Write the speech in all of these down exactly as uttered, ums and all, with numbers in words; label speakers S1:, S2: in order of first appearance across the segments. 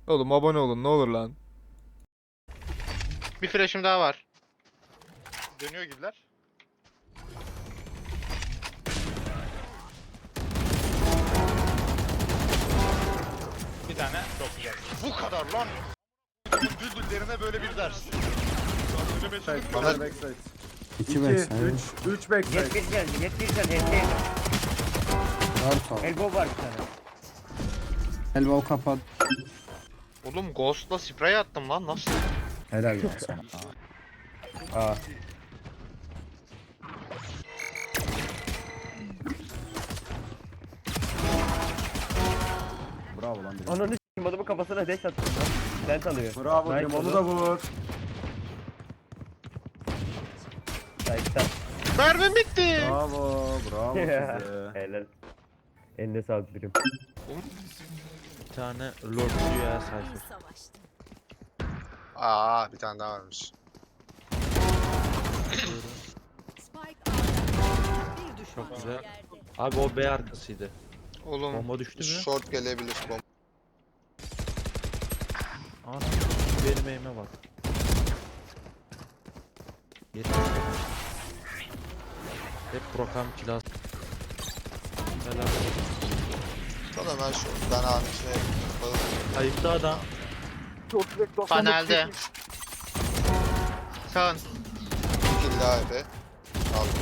S1: Oğlum abone olun ne olur lan.
S2: Bir flash'ım daha var.
S3: Dönüyor gibiler. Bir tane çok güzel. Bu kadar lan. Düldüllerine böyle bir ders.
S4: Bana backside.
S5: İki backside.
S4: üç, üç backside.
S6: Jet bir geldi, jet bir geldi. Elbow,
S5: Var top.
S6: elbow var bir tane.
S5: Elbow kapat.
S2: Oğlum Ghost'la spray attım lan nasıl?
S5: Helal olsun. Aa.
S4: Bravo lan. biri.
S6: Ananı s***im adamın kafasına dash attım lan. Dent alıyor.
S4: Bravo
S6: Nice
S4: diyorum onu
S6: oldu.
S4: da vur.
S6: Nice'tan.
S2: Mermim bitti.
S4: Bravo. Bravo size.
S6: Helal. Eline sağlık birim.
S7: Bir tane Lord Rüya sayfa.
S3: Aa bir tane daha varmış.
S7: Çok güzel. Abi o B arkasıydı.
S2: Oğlum
S7: Bomba düştü mü?
S3: Short gelebilir bomba.
S7: Ana benim eğime bak. Yetmiş. Hep Prokam kilas. Helal.
S3: Tamam ben şu ben abi şey.
S7: Kayıpta adam.
S2: panelde. Sağın.
S3: Kill daha ebe. Aldım.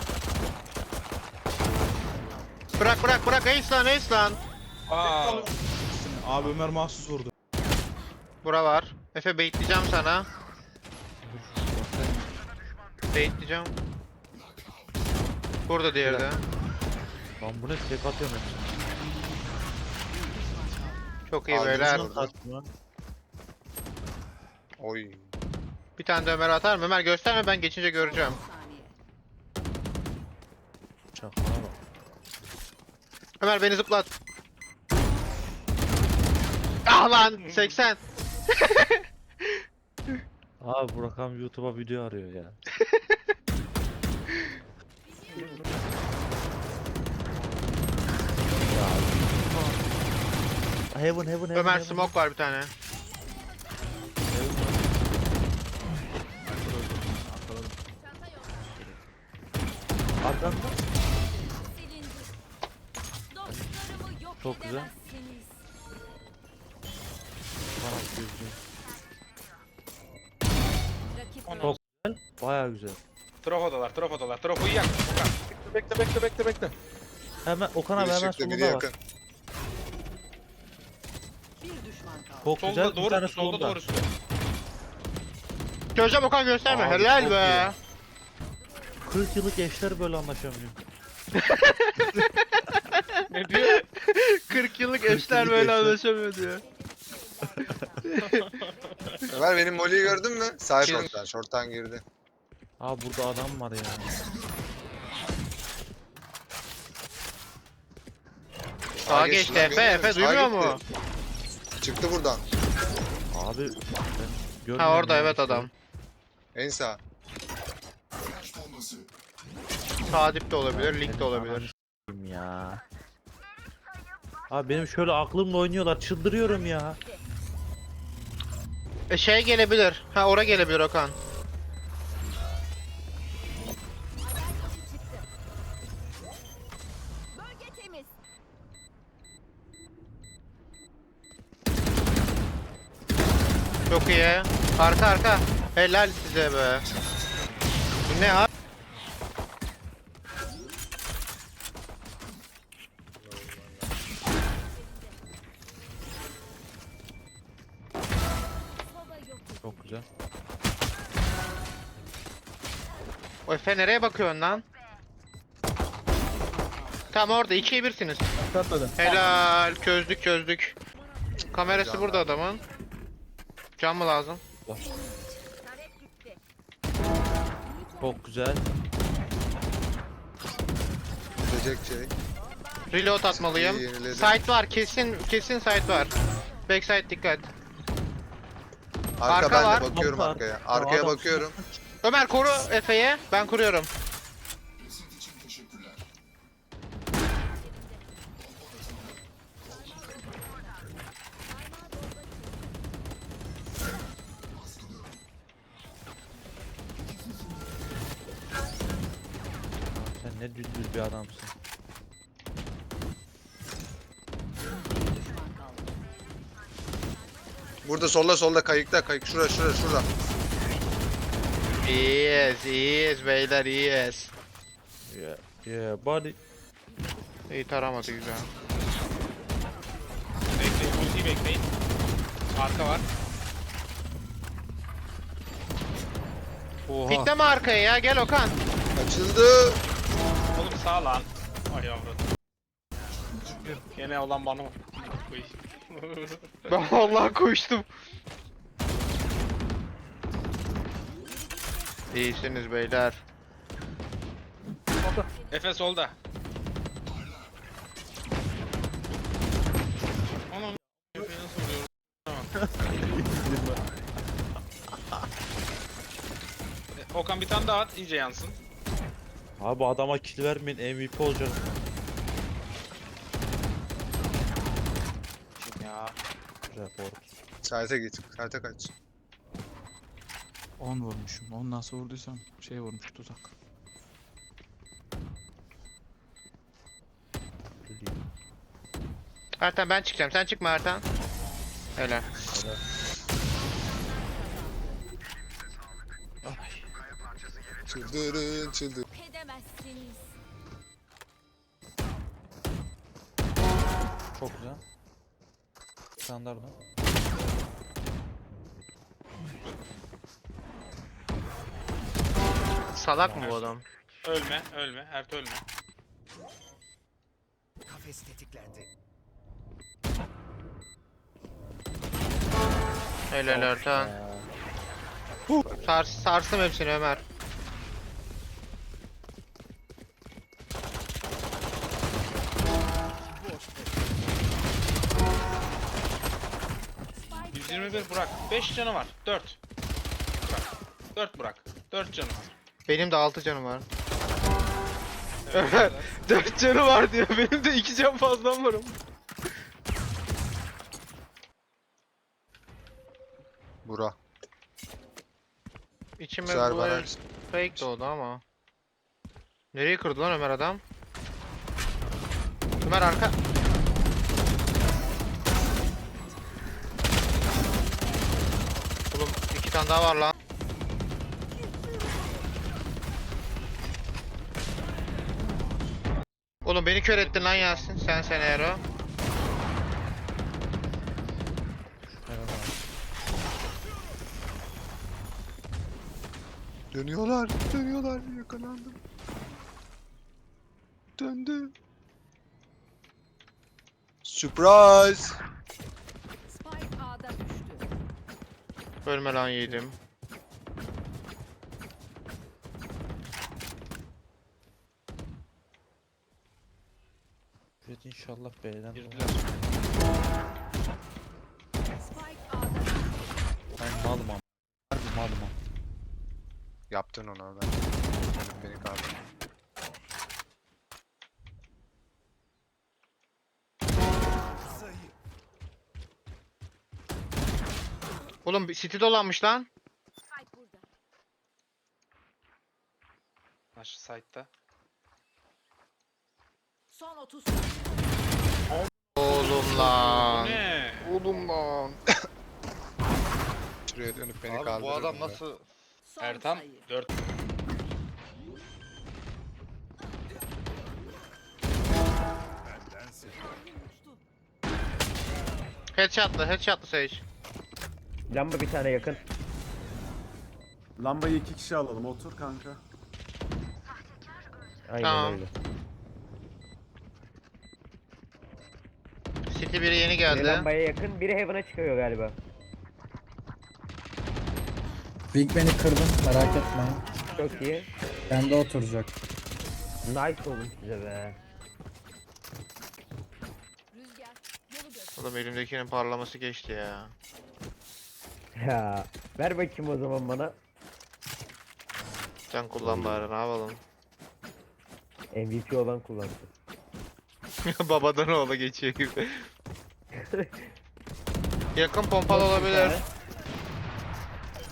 S2: Bırak bırak bırak ace lan ace lan.
S8: Aa. Abi Ömer mahsus vurdu.
S2: Bura var. Efe baitleyeceğim sana. Baitleyeceğim. Burada diğeri de.
S7: Lan bu ne tek atıyorum hepsini.
S2: Çok iyi
S3: Abi,
S2: beyler.
S3: Burada.
S7: Atma.
S3: Oy.
S2: Bir tane de Ömer atar mı? Ömer gösterme ben geçince göreceğim.
S7: Çakmana bak.
S2: Ömer beni zıplat. Ah lan seksen.
S7: Abi Prokam YouTube'a video arıyor ya. ya. Heaven heaven heaven.
S2: Ömer
S7: heaven.
S2: smoke var bir tane.
S7: Arkanda. Çok güzel. Kanat gözlüğü. Çok güzel. Baya güzel.
S8: Trofodalar, trofodalar. Trofoyu yak. Okan. Bekle, bekle, bekle, bekle.
S7: Hemen Okan abi
S3: Biri
S7: hemen
S3: çıktı biri
S7: solunda var.
S3: yakın.
S7: Çok güzel.
S8: Solda
S7: Bir tane
S8: doğru, solda
S7: solunda.
S8: doğrusu.
S2: Çözeceğim Okan gösterme.
S7: Abi,
S2: Helal
S7: çok
S2: be.
S7: kırk yıllık eşler böyle anlaşamıyor.
S8: Ne diyor?
S2: kırk yıllık eşler böyle anlaşamıyor diyor.
S3: Ömer benim Molly'yi gördün mü? Sahip short'tan. Short'tan girdi.
S7: Abi burada adam var ya.
S2: Sağa geçti
S3: lan,
S2: Efe.
S3: görüyorum.
S2: Efe
S3: Sağa
S2: duymuyor
S3: gitti.
S2: mu?
S3: Çıktı buradan.
S7: Abi ben görmüyorum
S2: Ha orada
S7: ya
S2: evet
S7: bir şey.
S2: adam.
S3: En sağ.
S2: Sağ dip de olabilir, lig de olabilir.
S7: Anam ya. Abi benim şöyle aklımla oynuyorlar. Çıldırıyorum ya.
S2: E şey gelebilir. Ha ora gelebilir Okan. Çok iyi. Arka arka. Helal size be. Bu ne abi?
S7: Çok güzel.
S2: O Efe nereye bakıyorsun lan? Tam orada ikiye birsiniz. Helal çözdük çözdük. Kamerası
S3: Can
S2: burada adamın. Can mı lazım?
S7: Çok güzel.
S3: Gidecek şey.
S2: Reload atmalıyım.
S3: İyi, yeniledim.
S2: Site var kesin kesin site var. Backside dikkat.
S3: Arka,
S2: Arka
S3: ben
S2: var.
S3: de bakıyorum
S7: Arka.
S3: arkaya. Arkaya
S7: Adam-
S3: bakıyorum.
S2: Ömer koru Efe'ye. Ben kuruyorum.
S7: Ne düzgün bir adamsın.
S1: Burada solda solda kayıkta kayık şurada şurada şurada.
S2: İyiyiz, iyiyiz beyler, iyiyiz.
S7: Yeah, yeah buddy.
S2: İyi taramadı güzel.
S8: Bekleyin. Ultiyi bekleyin. Arka var.
S7: Oha.
S2: Pikleme arkaya ya, gel Okan.
S1: Açıldı.
S8: Oğlum sağ lan. Ay yavrum. Gene olan bana. Uy.
S2: Ben vallahi koştum. İyisiniz beyler.
S8: Efe solda. Anam. Efe'yi nasıl vuruyorum? Tamam. Okan bir tane daha at iyice yansın.
S7: Abi adama kill vermeyin, M V P olacak.
S8: Ya.
S7: Report.
S1: Saate git. Saate kaç.
S9: on vurmuşum. on nasıl vurduysam şey vurmuş tuzak.
S2: Ertan ben çıkacağım, sen çıkma Ertan. Helal.
S1: Çıldırın çıldır.
S10: Edemezsiniz.
S7: Çok güzel. Standart mı?
S2: Salak mı bu adam?
S8: Ölme, ölme. Ert ölme.
S2: Helal Ertan. Sars, sarsım hepsini Ömer.
S8: yüz yirmi bir Burak. beş canı var. dört. Burak. dört Burak. dört canı var.
S2: Benim de altı canım var.
S8: Evet,
S2: Ömer dört canı var diyor. Benim de iki can fazlam var.
S1: Bura.
S2: İçime
S1: Güzel
S2: bu
S1: bana.
S2: el fake doğdu ama. Nereye kırdı lan Ömer adam? Ömer arka. Oğlum iki tane daha var lan. Oğlum beni kör ettin lan Yasin. Sen sen Ero.
S1: Dönüyorlar. Dönüyorlar. Yakalandım. Döndü. Surprise.
S10: Spike A'da düştü.
S2: Ölme lan yedim.
S7: Evet inşallah B'den.
S8: Girdiler.
S10: Spike A'da düştü.
S7: Ben malım ama. Harbi malım ama.
S1: Yaptın onu ben. Benim beni kaldı.
S2: Oğlum bir city dolanmış lan.
S10: Spike burada.
S8: Aşı site'da.
S10: Son otuz.
S2: Oğlum lan.
S8: Ne?
S2: Oğlum lan.
S1: Şuraya dönüp beni
S3: Abi
S1: kaldırır.
S3: bu adam nasıl?
S10: Son
S8: Ertan
S10: sayı.
S8: dört.
S2: Headshot'lı, headshot'lı Sage.
S6: Lamba bir tane yakın.
S4: Lambayı iki kişi alalım. Otur kanka.
S6: Aynen
S2: Tamam.
S6: öyle.
S2: City biri yeni
S6: Biri
S2: geldi.
S6: lambaya yakın, biri Heaven'a çıkıyor galiba.
S5: Big Ben'i kırdım merak etmeyin.
S6: Çok iyi.
S5: Bende oturacak.
S6: Nice olmuş size be.
S10: Rüzgar. Yolu göster.
S2: Oğlum elimdekinin parlaması geçti ya.
S6: Ya ver bakayım o zaman bana.
S2: Sen kullan bari, ne yapalım.
S6: M V P olan kullansın.
S2: Babadan oğla geçiyor gibi. Yakın pompalı
S6: Çok
S2: olabilir.
S6: güzel.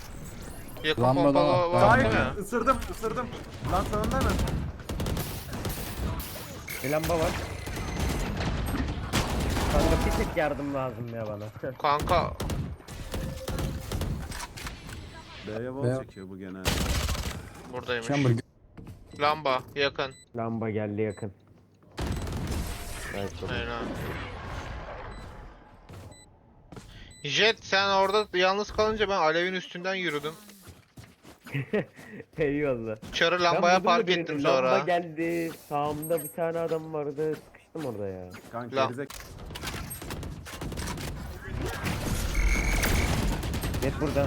S2: Yakın
S5: Lambada
S2: pompalı
S5: var.
S2: var değil
S4: Sahip
S2: mi?
S4: ısırdım ısırdım. Lan sonunda mı?
S6: Bir lamba var. Kanka bir tek yardım lazım ya bana.
S2: Kanka
S4: B'ye
S5: B-
S4: wall çekiyor bu genelde.
S2: buradaymış.
S5: Chamber
S2: Lamba yakın.
S6: Lamba geldi yakın. Evet, çok iyi.
S2: Aynen. Jet sen orada yalnız kalınca ben alevin üstünden yürüdüm.
S6: Eyvallah.
S2: Çarı
S6: Ben
S2: lambaya
S6: vurdum da
S2: park
S6: birini,
S2: ettim
S6: Lamba
S2: sonra.
S6: geldi. Sağımda bir tane adam vardı. Sıkıştım orada ya.
S4: Kanka
S2: Lan.
S4: gerizek.
S6: Net burada.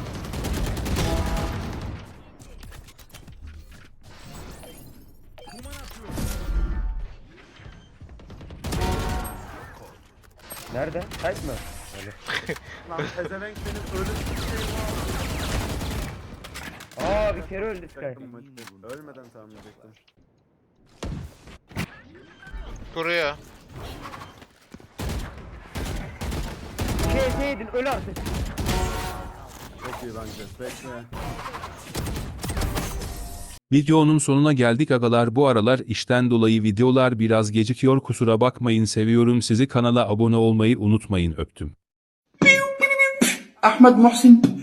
S6: Nerede? Kayıt mı?
S4: Lan pezevenk senin ölüm şey
S6: Aa bir kere öldü Sky.
S4: var. Ölmeden tahmin edecektim.
S2: Kuruyor.
S6: Şey edin öl artık.
S4: Çok iyi bence. Bekle.
S11: Videonun sonuna geldik agalar, bu aralar işten dolayı videolar biraz gecikiyor, kusura bakmayın, seviyorum sizi, kanala abone olmayı unutmayın, öptüm.
S12: Ahmed Muhsin